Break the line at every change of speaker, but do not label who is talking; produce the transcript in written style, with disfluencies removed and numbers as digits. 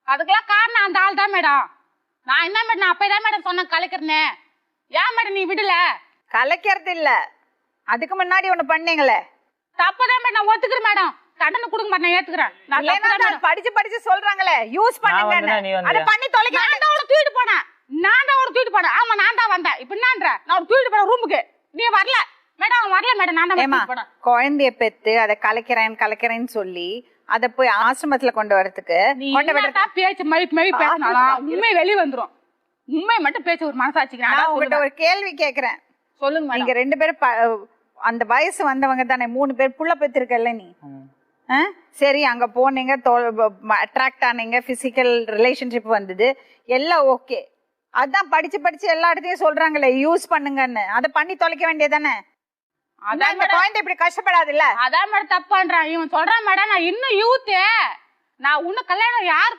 அதுக்கெல்லாம் காரணம் அந்த ஆள் தான் மேடம். நான் என்ன மேடம், நான் அப்பதான் மேடம் சொன்னேன் கலைக்கிறேன்னு. ஏன் மேடம் நீ விடல?
கலைக்கிறது இல்ல, அதுக்கு முன்னாடி ஒண்ணு பண்ணீங்களே.
தப்பதான் மேடம், நான் ஒத்துக்கிறேன் மேடம். கடனை கொடுக்க மாட்டேன், ஏத்துக்கிறேன். நான் தப்புதான் மேடம்.
படிச்சு படிச்சு சொல்றாங்களே யூஸ் பண்ணுங்க, அத பண்ணி தொலைக்க.
நான் தான் அவளை தூக்கிட்டு போனேன். ஆமா நான் தான் வந்தேன். இப்ப என்னன்ற, நான் அவளை தூக்கிட்டு போனேன் ரூமுக்கு. நீ வரல மேடம், அவன் வரல மேடம். நான் தான் தூக்கிட்டு போனேன்.
குழந்தைய பெத்து அதை கலைக்கிறேன்னு சொல்லி அத போய் ஆசிரமத்துல கொண்டு வரதுக்கு
பேச்சு மழி பேசினாலும் உண்மை வெளியே வந்துரும். உண்மை மட்டும் பேச்சு ஒரு மனசாட்சிக்கிறேன்.
நான் உங்ககிட்ட ஒரு கேள்வி கேக்குறேன்,
சொல்லுங்க.
நீங்க 2 பேரும் அந்த வயசு வந்தவங்க தானே, 3 பேர் புள்ள பெற்றிருக்கல நீ. சரி, அங்க போனீங்க, அட்ராக்ட் ஆனீங்க, பிசிக்கல் ரிலேஷன்ஷிப் வந்தது, எல்லாம் ஓகே. அதான் படிச்சு படிச்சு எல்லா இடத்தையும் சொல்றாங்களே யூஸ் பண்ணுங்கன்னு, அதை பண்ணி தொலைக்க வேண்டியதானே. அதான் குழந்தை இப்படி கஷ்டப்படாது இல்ல.
அதான் மேடம் தப்பு பண்றான் இவன். சொல்றான் மேடம் நான் இன்னும் யூத்து, நான் இன்னும் கல்யாணம் யார்